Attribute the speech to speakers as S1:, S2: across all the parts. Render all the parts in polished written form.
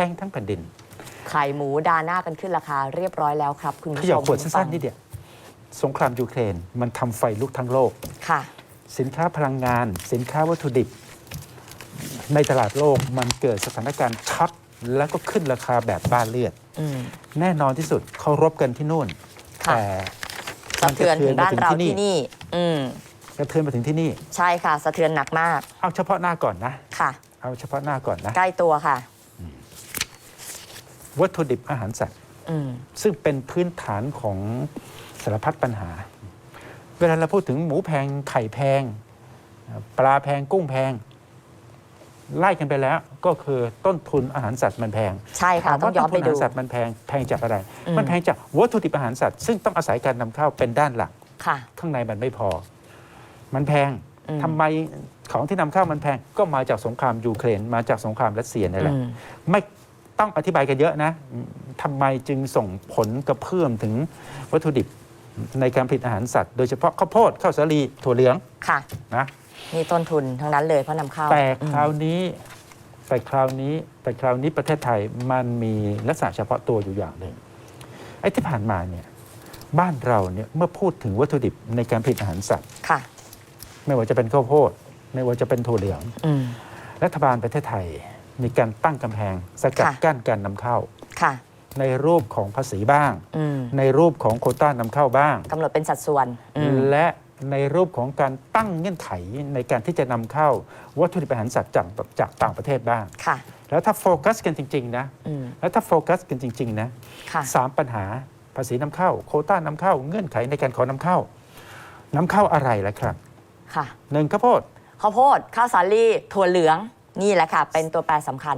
S1: งทั้งแผ่นดิน
S2: ไข่หมูดาหน้ากันขึ้นราคาเรียบร้อยแล้วครับคุณผู้ชม
S1: ขยับขวดสั้นๆนิดเดียวสงครามยูเครนมันทำไฟลุกทั้งโลก
S2: ค่ะ
S1: สินค้าพลังงานสินค้าวัตถุดิบในตลาดโลกมันเกิดสถานการณ์ช็อตแล้วก็ขึ้นราคาแบบบ้าเลือดแน่นอนที่สุดเขารบกันที่นู่นแต่
S2: สะเทือนถึงบ้านเราที่นี่
S1: สะเทือนมาถึงที่นี่
S2: ใช่ค่ะสะเทือนหนักมาก
S1: เอาเฉพาะหน้าก่อนนะ
S2: ค่ะ
S1: เอาเฉพาะหน้าก่อนนะ
S2: ใกล้ตัวค่ะ
S1: วัตถุดิบอาหารสัตว์ซึ่งเป็นพื้นฐานของสารพัดปัญหาเวลาเราพูดถึงหมูแพงไข่แพงปลาแพงกุ้งแพงไล่กันไปแล้วก็คือต้นทุนอาหารสัตว์มันแพง
S2: ใช่ค่ะต้องย้อนไปดู
S1: อาหารสัตว์มันแพงจากอะไรมันแพงจากวัตถุดิบอาหารสัตว์ซึ่งต้องอาศัยการนำเข้าเป็นด้านหลักข้างในมันไม่พอมันแพงทำไมของที่นำเข้ามันแพงก็มาจากสงครามยูเครนมาจากสงครามรัสเซียนี่แหละไม่ต้องอธิบายกันเยอะนะทำไมจึงส่งผลกระเพื่อมถึงวัตถุดิบในการผลิตอาหารสัตว์โดยเฉพาะข้าวโพดข้าวสาลีถั่วเหลืองนะ
S2: นี่ต้นทุนทั้งนั้นเลยเพราะนำเข้า
S1: แต่คราวนี้ประเทศไทยมันมีลักษณะเฉพาะตัวอยู่อย่างหนึ่งไอ้ที่ผ่านมาเนี่ยบ้านเราเนี่ยเมื่อพูดถึงวัตถุดิบในการผลิตอาหารสัตว์ไม่ว่าจะเป็นข้าวโพดไม่ว่าจะเป็นถั่วเหลืองรัฐบาลประเทศไทยมีการตั้งกำแพงสกัดกั้นการนำเข้าในรูปของภาษีบ้างในรูปของโควต้านำเข้าบ้าง
S2: กำหนดเป็นสัดส่วน
S1: และในรูปของการตั้งเงื่อนไขในการที่จะนำเข้าวัตถุดิบอาหารสัตว์จากต่างประเทศบ้างแล้วถ้าโฟกัสกันจริงๆนะสามปัญหาภาษีนำเข้าโควต้านำเข้าเงื่อนไขในการขอนำเข้าอะไรล่ะครับหนึ่งข้าวโพด
S2: ข้าวสาลีถั่วเหลืองนี่แหละค่ะเป็นตัวแปรสำคัญ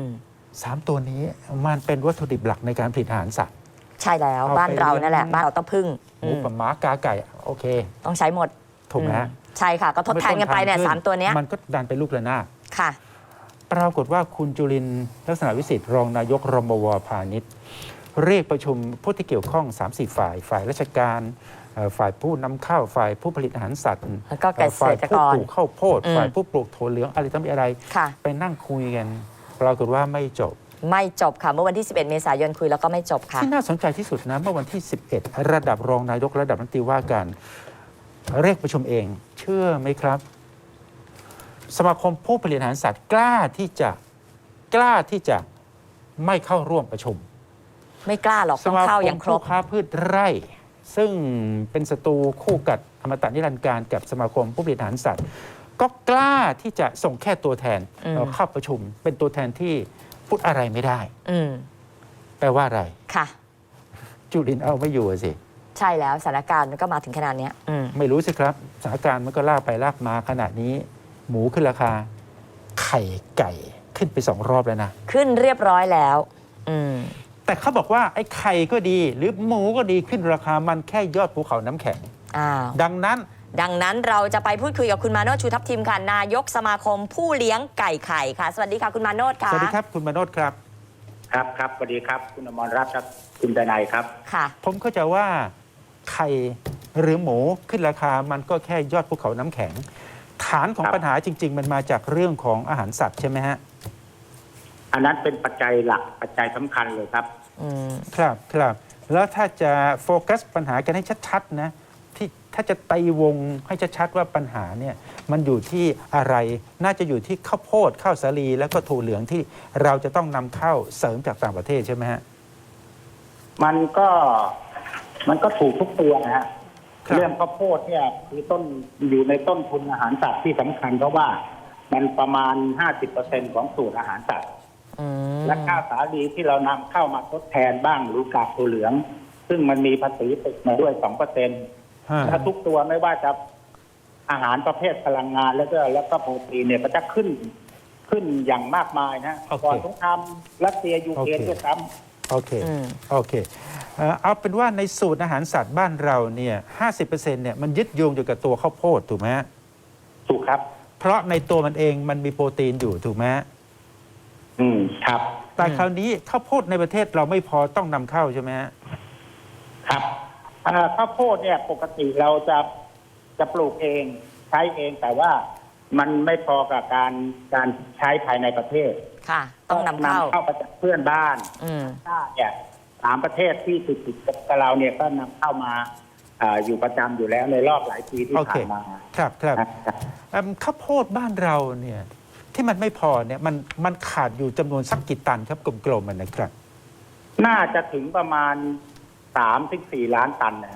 S1: 3 ตัวนี้มันเป็นวัตถุดิบหลักในการผลิตอาหารสัตว์
S2: ใช่แล้วบ้านเรานั่นแหละบ้านเราต้องพึ่ง
S1: หมูกับหมากาไก่โอเค
S2: ต้องใช้หมด
S1: ถูกไหม
S2: ใช่ค่ะก็ทดแทนกันไปเนี่ย3 ตัวนี้
S1: มันก็ดันไปลูกระนาด
S2: ค่ะ
S1: ปรากฏว่าคุณจุรินทร์ลักษณะวิสิทธิ์รองนายกรมวพาณิชย์เรียกประชุมผู้ที่เกี่ยวข้อง 3-4 ฝ่ายราชการฝ่ายผู้นำเข้าฝ่ายผู้ผลิตอาหารสัตว์ฝ่ายผู้ปลูกข้าวโพดฝ่ายผู้ปลูกถั่วเหลืองอะไรต่างๆอะไรไปนั่งคุยกันปรากฏว่าไม่จบ
S2: ค่ะเมื่อวันที่11 เมษายนคุยแล้วก็ไม่จบค่ะ
S1: ที่น่าสนใจที่สุดนะเมื่อวันที่11ระดับรองนายกระดับรัฐมนตรีว่าการเรียกประชุมเองเชื่อไหมครับสมาคมผู้ผลิตอาหารสัตว์กล้าที่จะไม่เข้าร่วมประชุม
S2: ไม่กล้าหรอกต้องเข้าอย่างครบ
S1: สมาคมผู้ค้าพืชไร่ซึ่งเป็นศัตรูคู่กัดอมตะนิรันดร์การกับสมาคมผู้ผลิตอาหารสัตว์ก็กล้าที่จะส่งแค่ตัวแทนเข้าประชุมเป็นตัวแทนที่พูดอะไรไม่ได้แปลว่าอะไร
S2: ค่ะ
S1: จุรินทร์เอาไม่อยู่สิ
S2: ใช่แล้วสถานการณ์มันก็มาถึงขนาดนี้
S1: ไม่รู้สิครับสถานการณ์มันก็ลากไปลากมาขนาดนี้หมูขึ้นราคาไข่ไก่ขึ้นไป2 รอบแล้วนะ
S2: ขึ้นเรียบร้อยแล้ว
S1: แต่เขาบอกว่าไอ้ไข่ก็ดีหรือหมูก็ดีขึ้นราคามันแค่ยอดภูเขาน้ำแข็งดังนั้น
S2: เราจะไปพูดคุยกับคุณมาโนชชูทัพทิมค่ะนายกสมาคมผู้เลี้ยงไก่ไข่ค่ะสวัสดีค่ะคุณมาโนชค่ะ
S1: สวัสดีครับคุณมาโนชครับ
S3: ครับสวัสดีครับคุณอมรรัตน์ครับคุณดนัยครับ
S2: ค่ะ
S1: ผมเข้าใจว่าไข่หรือหมูขึ้นราคามันก็แค่ยอดภูเขาน้ำแข็งฐานของปัญหาจริงๆมันมาจากเรื่องของอาหารสัตว์ใช่ไหมฮะ
S3: อันนั้นเป็นปัจจัยหลักปัจจัยสำคัญเลยครับ
S1: ครับแล้วถ้าจะโฟกัสปัญหากันให้ชัดๆนะที่ถ้าจะตีวงให้ชัดๆว่าปัญหาเนี่ยมันอยู่ที่อะไรน่าจะอยู่ที่ข้าวโพดข้าวสาลีแล้วก็ถั่วเหลืองที่เราจะต้องนำเข้าเสริมจากต่างประเทศใช่ไหมฮะ
S3: มันก็ถูกทุกตัวนะฮะเรื่องข้าวโพดเนี่ยคืออยู่ในต้นทุนอาหารสัตว์ที่สำคัญเพราะว่ามันประมาณ 50% ของสูตรอาหารสัตว์และข้าวสาลีที่เรานำเข้ามาทดแทนบ้างหรือกากถั่วเหลืองซึ่งมันมีภาษีติดมาด้วย 2%และทุกตัวไม่ว่าจะอาหารประเภทพลังงานแล้วก็โปรตีนเนี่ยก็จะขึ้นอย่างมากมายนะก่อนสงครามรัสเซียยูเครนด้วยซ้ำ
S1: โอเคเอาเป็นว่าในสูตรอาหารสัตว์บ้านเราเนี่ย 50% เนี่ยมันยึดโยงอยู่กับตัวข้าวโพดถูกไหม
S3: ถูกครับ
S1: เพราะในตัวมันเองมันมีโปรตีนอยู่ถูกไหม
S3: ครับ
S1: แต่คราวนี้ข้าวโพดในประเทศเราไม่พอต้องนำเข้าใช่ไหม
S3: ครับข้าวโพดเนี่ยปกติเราจะปลูกเองใช้เองแต่ว่ามันไม่พอกับการใช้ภายในประเทศ
S2: ค่ะ ต้องนำเข้า
S3: มาจากเพื่อนบ้าน ชาติเนี่ย3 ประเทศที่ติดกับเราเนี่ยก็นำเข้ามาอยู่ประจำอยู่แล้วในรอบหลายปีที่
S1: โอ
S3: ผ่า
S1: เค
S3: นมา
S1: ครับครับ
S3: นะครับ
S1: ข้าวโพดบ้านเราเนี่ยที่มันไม่พอเนี่ยมันขาดอยู่จำนวนสักกี่ตันครับกลมๆมันนะครับ
S3: น่าจะถึงประมาณ3-4 ล้านตันนะ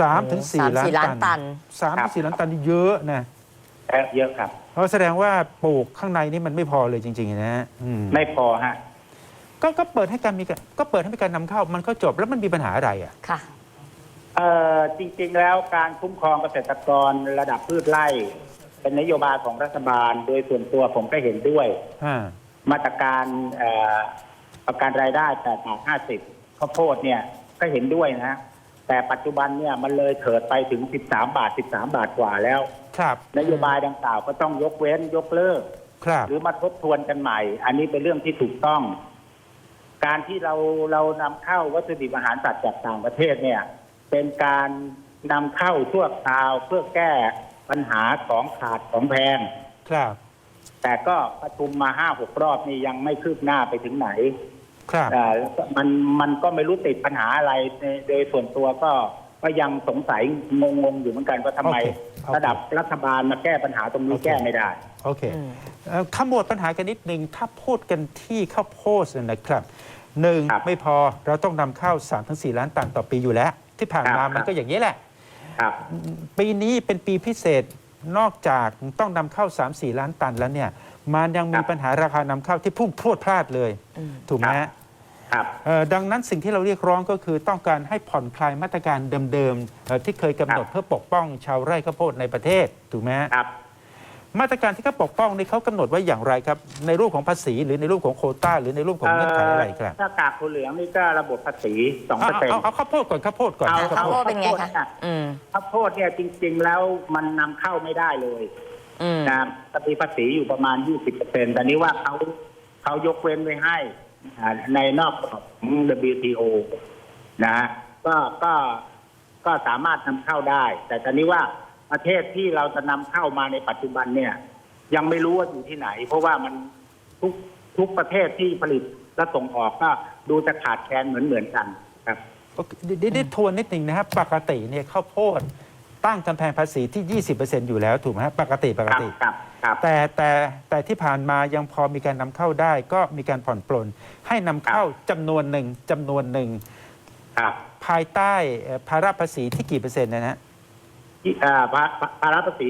S1: 3-4 ล้าน
S2: 3-4 ล้านตัน
S1: 3-4 ล้านตันนี่เยอะนะ
S3: เยอะครับ
S1: เพราะแสดงว่าปลูกข้างในนี่มันไม่พอเลยจริงๆนะฮะ
S3: ไม่พอฮะ
S1: ก็เปิดให้การก็เปิดให้มีการนำเข้ามันก็จบแล้วมันมีปัญหาอะไรอ่ะ
S2: ค่ะ
S3: จริงๆแล้วการคุ้มครองเกษตรกรระดับพืชไร่ เป็นนโยบายของรัฐบาลโดยส่วนตัวผมก็เห็นด้วย มาตรการประกันรายได้8 บาท 50ข้าวโพดเนี่ยก็เห็นด้วยนะ แต่ปัจจุบันเนี่ยมันเลยเถิดไปถึง13 บาท 13 บาทกว่าแล้ว
S1: ครับ
S3: นโยบายดังกล่าวก็ต้องยกเว้นยกเลิก
S1: ครับ
S3: หรือมาทบทวนกันใหม่ อันนี้เป็นเรื่องที่ถูกต้อง การที่เรานำเข้าวัตถุดิบอาหารสัตว์จากต่างประเทศเนี่ยเป็นการนำเข้าชั่วคราวเพื่อแก้ปัญหาของขาดของแพง
S1: ครับ
S3: แต่ก็ประชุมมา 5-6 รอบนี่ยังไม่คืบหน้าไปถึงไหน
S1: ครับ
S3: มันก็ไม่รู้ติดปัญหาอะไรโดยส่วนตัวก็ยังสงสัยงงอยู่เหมือนกันว่าทำไม ระดับรัฐบาลมาแก้ปัญหาตรงนี้แก้ไม่ได้
S1: โอเคขมวดปัญหากันนิดนึงถ้าพูดกันที่ข้าวโพดนะครับหนึ่ง
S3: ครับ
S1: ไม่พอเราต้องนำเข้า 3-4 ล้านตันต่อปีอยู่แล้ว ที่ผ่านมา
S3: ครับ
S1: มันก็อย่างนี้แหละ
S3: ครับ
S1: ปีนี้เป็นปีพิเศษนอกจากต้องนำเข้า 3-4 ล้านตันแล้วเนี่ยมันยังมีปัญหาราคานำเข้าที่พุ่งพรวดพลาดเลย ถูกไหมฮะ
S3: ครับ
S1: ดังนั้นสิ่งที่เราเรียกร้องก็คือต้องการให้ผ่อนคลายมาตรการเดิมๆที่เคยกำหนดเพื่อปกป้องชาวไร่ข้าวโพดในประเทศถูกไหมฮะ
S3: ครับ
S1: มาตรการที่เขาปกป้องนี่เขากำหนดไว้อย่างไรครับ ในรูปของภาษีหรือในรูปของโควต้าหรือในรูปของเงื่อนไขอะไรครับ
S3: ถ้ากากถั่วเหลืองนี่ก็ระบบภาษี 2%
S1: เอาข้าวโพดก่อนข้าวโพดก่อน
S3: เอา
S2: ข้าวโพดเป็นไงคะ
S3: ข้าวโพดเนี่ยจริงๆแล้วมันนำเข้าไม่ได้เลยนะจะมีภาษีอยู่ประมาณ 20%แต่นี้ว่าเขายกเว้นไว้ให้ในนอกกรอบของ WTO นะก็สามารถนำเข้าได้ แต่ตอนนี้ว่าประเทศที่เราจะนำเข้ามาในปัจจุบันเนี่ยยังไม่รู้ว่าอยู่ที่ไหน เพราะว่ามันทุกประเทศที่ผลิตและส่งออกก็ดูจะขาดแคลนเหมือนกันครับ
S1: ได้ทวนนิดหนึ่งนะครับปกติเนี่ยข้าวโพดตั้งกำแพงภาษีที่ 20%อยู่แล้วถูกไหมครับปกติ
S3: ครับ
S1: แต่ที่ผ่านมายังพอมีการนำเข้าได้ ก็มีการผ่อนปลนให้นำเข้าจำนวนหนึ่ง
S3: ครับ
S1: ภายใต้ภาระภาษีที่กี่เปอร์เซ็นต์นะฮะ
S3: ภาระภาษี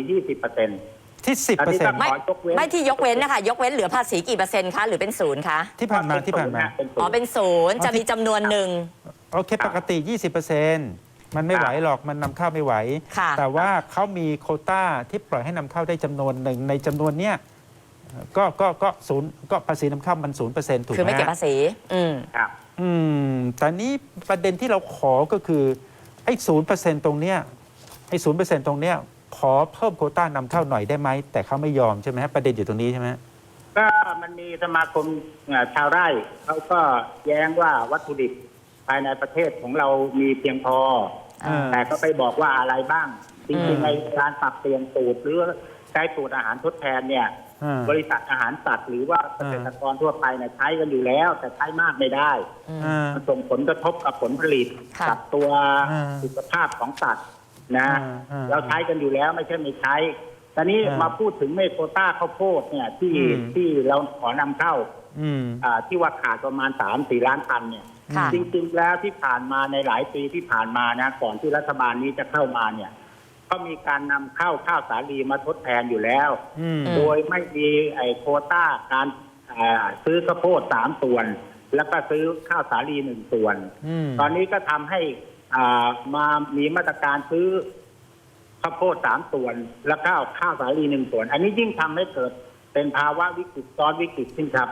S3: 20%
S1: ที่ 10%
S2: ไม่ที่ยกเว้นนะคะยกเว้นเหลือภาษีกี่เปอร์เซ็นต์คะหรือเป็นศูนย์คะ
S1: ที่ผ่านมา
S2: อ๋อเป็นศูนย์จะมีจำนวนหนึ่ง
S1: โอเคปกติ 20%มันไม่ไหวหรอกมันนำเข้าไม่ไหว
S2: ค่ะ
S1: แต่ว่าเขามีโควต้าที่ปล่อยให้นำเข้าได้จำนวนหนึ่งในจำนวนเนี้ยก็ศูนย์ก็ภาษีนำเข้ามัน 0%ถูกไหม
S2: คือไม่เก็บภาษี
S3: ครับ
S1: แต่นี้ประเด็นที่เราขอก็คือไอ้ 0% ตรงเนี้ยไอ้ 0% ตรงเนี้ยขอเพิ่มโควต้านำเข้าหน่อยได้ไหมแต่เขาไม่ยอมใช่ไหมฮะประเด็นอยู่ตรงนี้ใช่ไหม
S3: ก็มันมีสมาคมชาวไร่เขาก็แย้งว่าวัตถุดิบภายในประเทศของเรามีเพียงพอ แต่ก็ไปบอกว่าอะไรบ้าง จริงๆในการปรับเปลี่ยนสูตรหรือใช้สูตรอาหารทดแทนเนี่ย บริษัทอาหารสัตว์หรือว่าเกษตรกรทั่วไปเนี่ยใช้กันอยู่แล้ว แต่ใช้มากไม่ได้มันส่งผลกระทบกับผลผลิต
S2: ค่ะ
S3: กับตัวสุขภาพของสัตว์นะเราใช้กันอยู่แล้วไม่ใช่ไม่ใช้ตอนนี้มาพูดถึงเมโคต้าข้าวโพดเนี่ยที่เราขอนำเข้าที่ว่าขาดประมาณ 3-4 ล้านตันเนี่ย
S2: ค่ะ
S3: จริงๆแล้วที่ผ่านมาในหลายปีที่ผ่านมานะก่อนที่รัฐบาลนี้จะเข้ามาเนี่ยก็มีการนำเข้าข้าวสาลีมาทดแทนอยู่แล้ว โดยไม่มีโควต้าการซื้อข้าวโพด3 ส่วน แล้วก็ซื้อข้าวสาลี1 ส่วน ตอนนี้ก็ทำให้มามีมาตรการซื้อข้าวโพด3 ส่วน แล้วก็ข้าวสาลี1 ส่วน อันนี้ยิ่งทำให้เกิดเป็นภาวะวิกฤตซ้อนวิกฤตขึ้นครับ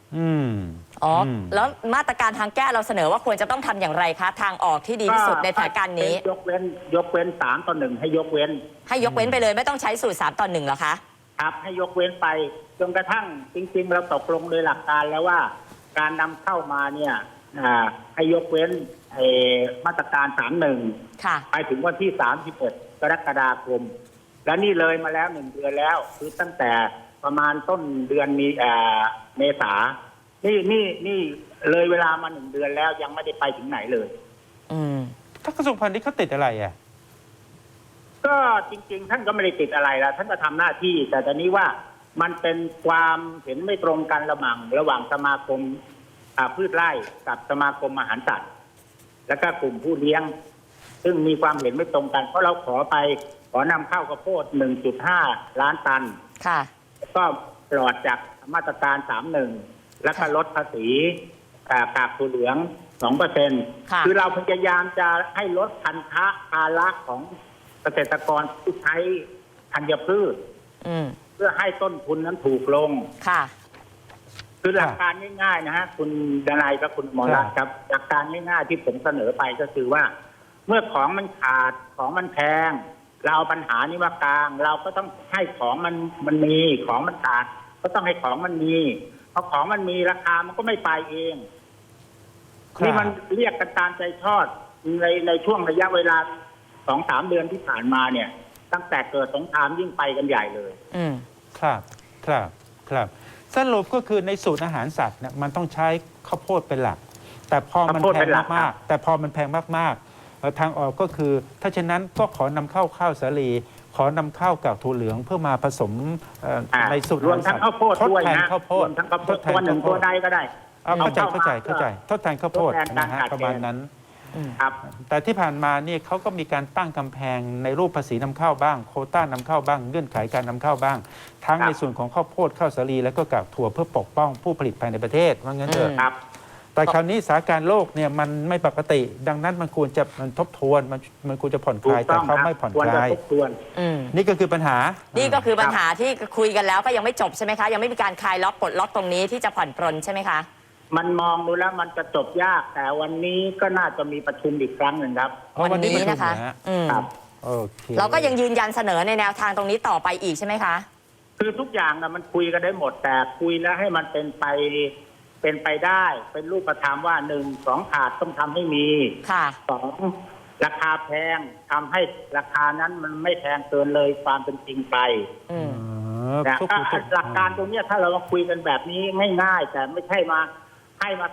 S2: แล้วมาตรการทางแก้เราเสนอว่าควรจะต้องทำอย่างไรคะทางออกที่ดีที่สุดในสถานการณ์นี้
S3: ยกเว้น3-1ให้ยกเว้น
S2: ให้ยกเว้นไปเลยไม่ต้องใช้สูตร3-1เหรอคะ
S3: ครับให้ยกเว้นไปจนกระทั่งจริงๆเราตกลงโดยหลักการแล้วว่าการนำเข้ามาเนี่ยให้ยกเว้นมาตรการ 31
S2: ค่ะ
S3: ไปถึงวันที่ 31 กรกฎาคมแล้วนี่เลยมาแล้ว1 เดือนแล้ว คือตั้งแต่ประมาณต้นเดือนมีเมษานี่เลยเวลามา1 เดือนแล้วยังไม่ได้ไปถึงไหนเลย
S1: ถ้ากระทรวงพาณิชย์เขาติดอะไรอ่ะ
S3: ก็จริงๆท่านก็ไม่ได้ติดอะไรแล้วท่านก็ทำหน้าที่ แต่ตอนนี้ว่ามันเป็นความเห็นไม่ตรงกันระหว่างสมาคมพืชไร่กับสมาคมอาหารสัตว์แล้วก็กลุ่มผู้เลี้ยง ซึ่งมีความเห็นไม่ตรงกันเพราะเราขอนำเข้าข้าวโพด 1.5 ล้านตัน
S2: ค่ะ
S3: ก็ปลอดจากมาตรการ 31 แล้วก็ลดภาษีกากถั่วเหลือง 2% คือเราพยายามจะให้ลดพันธะภาระของเกษตรกรที่ใช้ธัญพืชเพื่อให้ต้นทุนนั้นถูกลง
S2: ค่ะ
S3: คือหลักการง่ายๆนะฮะคุณดนัยกับคุณหมอรัตน์ครับหลักการง่ายๆที่ผมเสนอไปก็คือว่าเมื่อของมันขาดของมันแพงเราเอาปัญหานี้มากลางเราก็ต้องให้ของมันมีของมันขาดก็ต้องให้ของมันมีเพราะของมันมีราคามันก็ไม่ไปเองนี่มันเรียกกันตามใจชอบในช่วงระยะเวลา 2-3 เดือนที่ผ่านมาเนี่ยตั้งแต่เกิดสงครามยิ่งไปกันใหญ่เลย
S1: ครับสรุปก็คือในสูตรอาหารสัตว์เนี่ยมันต้องใช้ข้าวโพดเป็นหลักแต่พอมันแพงมากๆทางออกก็คือถ้าเช่นนั้นก็ขอนำเข้าข้าวสาลีขอนำเข้ากับถั่วเหลืองเพื่อมาผสมในสูตร
S3: รวมทั้งข้าวโพดด้วยนะรวมทั้งข้าวโพดตัวหนึ่งตัวใดก็ได้
S1: เข้าใจทดแทนข้าวโพดนะฮะประมาณนั้นแต่ที่ผ่านมานี่เขาก็มีการตั้งกำแพงในรูปภาษีนำเข้าบ้างโควต้านำเข้าบ้างเงื่อนไขการนำเข้าบ้างทั้งในส่วนของข้าวโพดข้าวสาลีและก็กากถั่วเพื่อปกป้องผู้ผลิตภายในประเทศว่างั้นเถอะแต่คราวนี้สถานการณ์โลกเนี่ยมันไม่ปกติดังนั้นมันควรจะทบทวนมันควรจะผ่อนคลายแต่เขาไม่ผ่อนคลายนี่ก็คือปัญหา
S2: ที่คุยกันแล้วก็ยังไม่จบใช่ไหมคะยังไม่มีการคลายล็อกปลดล็อกตรงนี้ที่จะผ่อนปรนใช่ไหมคะ
S3: มันมองดูแล้วมันจะจบยากแต่วันนี้ก็น่าจะมีประชุมอีกครั้งหนึ่งครับ
S2: วันนี้นะคะเราก็ยังยืนยันเสนอในแนวทางตรงนี้ต่อไปอีกใช่ไหมคะ
S3: คือทุกอย่างนะมันคุยกันได้หมดแต่คุยแล้วให้มันเป็นไปได้เป็นรูปธรรมว่า1 2ขาดต้องทำให้มี2ราคาแพงทำให้ราคานั้นมันไม่แพงเกินเลยความเป็นจริงไปแต่หลักการตรงนี้ถ้าเรามาคุยกันแบบนี้ง่ายๆแต่ไม่ใช่มาให้มา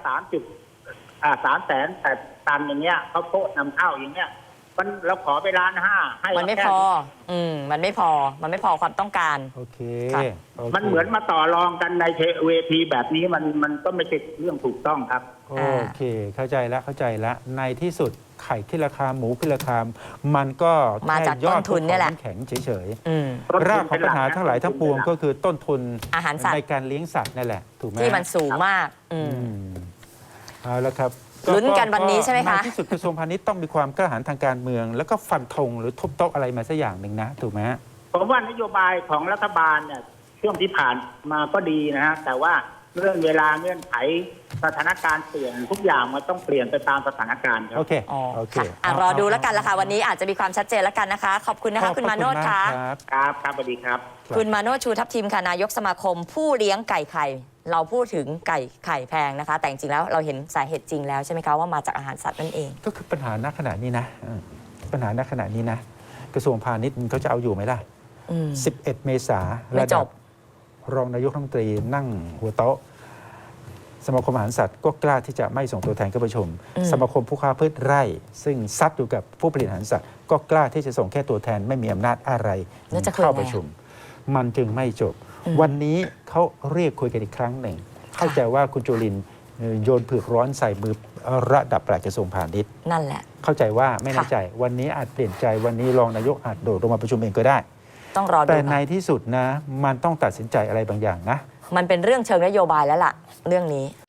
S3: 300,000 แต่ตันอย่างเงี้ยเขาโพดนำเข้าอย่างเงี้ยเราขอไป1.5 ล้านให้
S2: มันไม่พอมันไม่พอความต้องการ
S1: โอเค
S3: มันเหมือนมาต่อรองกันในเวทีแบบนี้มันก็ไม่ใช่เรื่องถูกต้องครับ
S1: โอเคเข้าใจแล้วในที่สุดไข่ขึ้นราคาหมูขึ้นราคามันก็
S2: มาจากต้นทุนนี่แหละ
S1: แข็งเฉยๆรากของปัญหาทั้งหลายทั้งปวงก็คือต้นทุน
S2: อาหารสัตว์
S1: ในการเลี้ยงสัตว์นั่นแหละถูกไหม
S2: ที่มันสูงมาก
S1: เอาละครับ
S2: ลุ้นกันวันนี้ใช่ไหมคะ
S1: ในที่สุดกระทรวงพาณิชย์ต้องมีความกล้าหาญทางการเมืองแล้วก็ฟันธงหรือทุบโต๊ะอะไรมาสักอย่างหนึ่งนะถูกไหม
S3: ผมว่านโยบายของรัฐบาลเนี่ยช่วงที่ผ่านมาก็ดีนะฮะแต่ว่าเรื่องเวลาเงื่อนไขสถานการณ์เปลี่ยนทุกอย่างมันต้องเปลี่ยนไปตามสถานการณ์ครับ
S1: โอเค
S2: รอดูแล้วกันละค่ะวันนี้อาจจะมีความชัดเจนแล้วกันนะคะขอบคุณนะคะคุณมาโนชค่ะ
S3: ครับสวัสดีครับ
S2: คุณมาโนชชูทัพทิมค่ะนายกสมาคมผู้เลี้ยงไก่ไข่เราพูดถึงไก่ไข่แพงนะคะแต่จริงๆแล้วเราเห็นสาเหตุจริงแล้วใช่ไหมคะว่ามาจากอาหารสัตว์นั่นเอง
S1: ก็คือปัญหาณขณะนี้นะกระทรวงพาณิชย์เขาจะเอาอยู่ไหมล่ะ11 เมษายนระดับรองนายกรัฐมนตรีนั่งหัวโต๊ะสมาคมอาหารสัตว์ก็กล้าที่จะไม่ส่งตัวแทนเข้าประชุมสมาคมผู้ค้าพืชไร่ซึ่งซัดอยู่กับผู้ผลิตอาหารสัตว์ก็กล้าที่จะส่งแค่ตัวแทนไม่มีอำนาจอะไรเข้าประชุมมันจึงไม่จบวันนี้เขาเรียกคุยกันอีกครั้งหนึ่งเข้าใจว่าคุณจุลินทร์โยนเผือกร้อนใส่มือระดับปลัดกระทรวงพาณิชย์
S2: นั่นแหละ
S1: เข้าใจว่าไม่แน่ใจวันนี้อาจเปลี่ยนใจวันนี้รองนายกอาจโดดลงมาประชุมเองก็ได้
S2: ต้องรอดู
S1: แต่ในที่สุดนะมันต้องตัดสินใจอะไรบางอย่างนะ
S2: มันเป็นเรื่องเชิงนโยบายแล้วล่ะเรื่องนี้